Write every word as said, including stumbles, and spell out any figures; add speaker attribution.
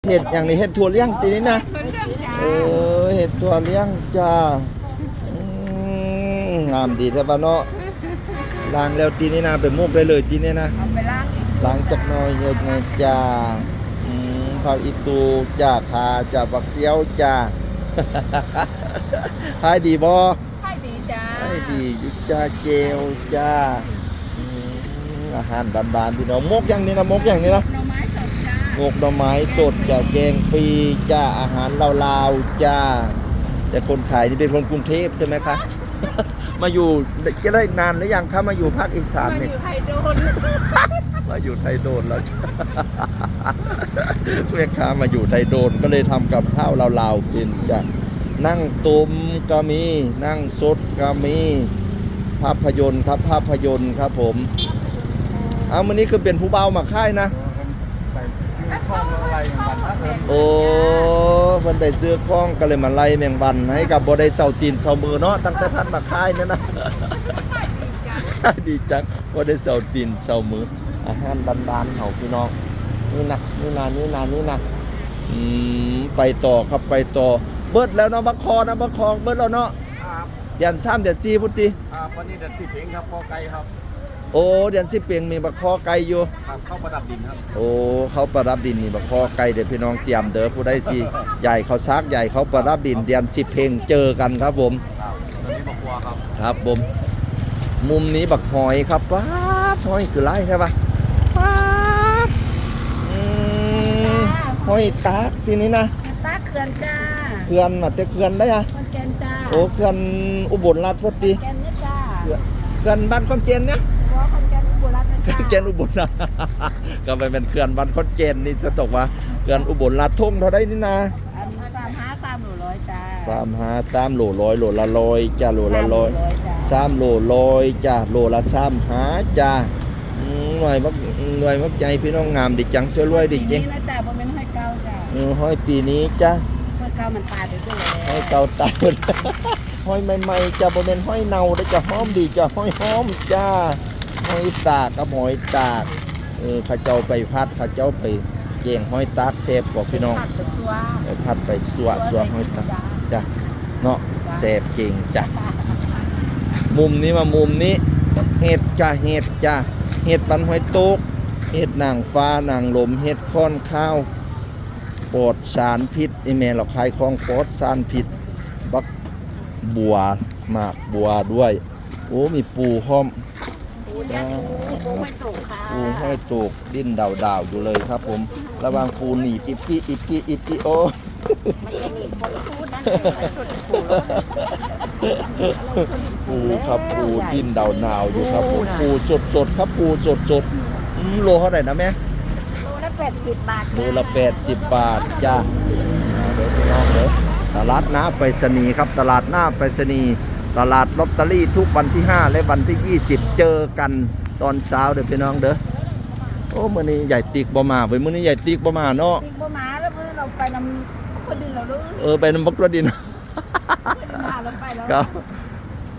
Speaker 1: เห็ดอย่างนี้เห็ดถั่วเลี้ยงตีนี้นะเออเห็ดถั่วเลี้ยงจ้างามดีแท้บ้านเนาะล้างแล้วตีนี้นะไปมุกได้เลยตีนี้นะ
Speaker 2: เอาไปล้าง
Speaker 1: ล้างจากน้อยเยอะไงจ้าข้าวอีตูจ้าคาจ้าบักเซียวจ้าขายดีบ่
Speaker 2: ให้ดีจ้า
Speaker 1: ขายดียุจ้าเจลจ้าอาหารบานๆพี่น้องมกอย่างนี้นะมกอย่างนี้นะ
Speaker 2: หน่อไม้สดจ้าง
Speaker 1: กหน่อไม้สดจ้าแกงปีจ้าอาหารลาวๆจ้าแต่คนขายนี่เป็นคนกรุงเทพใช่ไหมคะ มาอยู่จะได้นานหรือยังคะมาอยู่ภาคอีสาน
Speaker 2: มาอ
Speaker 1: เนี่ย
Speaker 2: ยู่ไทยโดน
Speaker 1: มาอยู่ไทยโดนแล้ว แม่ค้ามาอยู่ไทยโดนก็เลยทำกับข้าวลาวๆกินจ้ะนั่งตุมก็มีนั่งสดก็มีภาพยนตร์ครับภาพยนตร์ครับผมเอาวันนี้คือเป็นผู้เบามาค่ายนะโอ้เพิ่นไปซื้อข้องก็เลยมาไล่แมงวันให้กับบ่ได้เซาตีนเซามือเนาะตั้งแต่ท่านมาค่ายเนี่ยนะ ดีจังบ่ได้เซาตีนเซามืออาหารบ้านๆเฮาพี่น้องนี่นะนี่นะนี่นะนี่นะอืมไปต่อครับไปต่อเบิดแล้วเนาะบักคอนะบักคอเบิดแล้วเนาะ
Speaker 3: ครับ
Speaker 1: เดือนสามเดือนสี่พุทธิ
Speaker 3: ครับวันนี้เดือนสิบเองครับพอไกลครับ
Speaker 1: โอ้เดือนสิบเปียงมีบักคอไก่อยู่
Speaker 3: ครับเข้าประดับดินครับ
Speaker 1: โอ้เขาประดับดินนี่บักคอไก่เดี๋ยวพี่น้องเตรียมเด้อผู้ใดสิใหญ่เขาซักใหญ่เขาประดับดินเดือนสิบเพลงเจอกันครับผม
Speaker 3: ครับตอนนี้บอกว่าครับ
Speaker 1: ครับผมมุมนี้บักหอยครับป้าหอยคือไรใช่ปะป้าหอยตากทีนี้นะ
Speaker 2: ตาเขื่อนจ้า
Speaker 1: เขื่อนมาแต่เขื่อนได้อะ
Speaker 2: คนแกนจ้า
Speaker 1: โอ้เขื่อนอุบลราชธานี
Speaker 2: แกนเนี่ยจ้า
Speaker 1: เขื่อนบ้านคอนเจนเนี่ย
Speaker 2: หัวคนแกนอุบลราช
Speaker 1: ธานีเจนอุบลนะก็ไปเป็นเขื่อนบ้านคอนเจนนี่จะตกว่าเขื่อนอุบลราชธานีเท่าได้นี่นะ
Speaker 2: อันสามห้าสามโลร้อยจ้า
Speaker 1: สามห้าสามโลร้อยโลละร้อยจ้าโลละร้อยสามโลร้อยจ้าโลละสามห้าจ้าหน่วยมักหน่วยมักใจพี่น้องงามดิจังช่วยรวยดิจริง
Speaker 2: นี่นะจ้าบ่เป็นห้อยเก่าจ้า
Speaker 1: เออห้อยปีนี้จ้า
Speaker 2: ห้อยเก่ามันตายไปด้วย
Speaker 1: ห้อยเก่าตายห้อยใหม่ๆจ้าบ่เป็นห้อยเน่าได้จ้าหอมดีจ้าห้อยหอมจ้าห้อยตากกับหอยตากเออข้าเจ้าไปพัดข้าเจ้าไปเก่งห้อยตากเซฟบอกพี่น้องไปพัดไปสัวสัวห้อยตากจ้าเนาะเซฟเก่งจ้ามุมนี้มามุมนี้เห็ดจ้าเห็ดจ้าเห็ดปันหอยโต๊กเห็ดนางฟ้านางลมเห็ดค้อนข้าวปลอดสารพิษไอแม่เราขายของปลอดสารพิษบักบัวหมากบัวด้วยโอ้มีปูห้อม
Speaker 2: ปูห้อยโตกค่ะ
Speaker 1: ปูห้อยโตกดิ้นดาวดาวอยู่เลยครับผมระวังปูหนีบอิปปี้อิปปี้อิปปี้โอ
Speaker 2: มันจะหนีบคนพูดนะ
Speaker 1: ปูครับปูดิ้นดาวดาวอยู่ครับผมปูสดสดครับปูสดสดโลเท่าไหร่นะแม่
Speaker 2: โลละแปดสิบบาท
Speaker 1: โลละแปดสิบบาทจ้าเดี๋ยวพี่น้องเดี๋ยวตลาดหน้าไปรษณีย์ครับตลาดหน้าไปรษณีย์ตลาดลอตเตอรี่ทุกวันที่ห้าและวันที่ยี่สิบเจอกันตอนเช้าเด้อพี่น้องเด้อโอ้มื้อนี้ใหญ่ติ๊กบ่มาเว้ยมื้อนี้ใหญ่ติ๊กบ่มาเนาะ
Speaker 2: ติ๊กบ่มาแล้วมื้อเราไปนำคนดินเราด้วย
Speaker 1: เออไปนำบักกระดิน
Speaker 2: มาแล้วไปแล้ว
Speaker 1: ครับ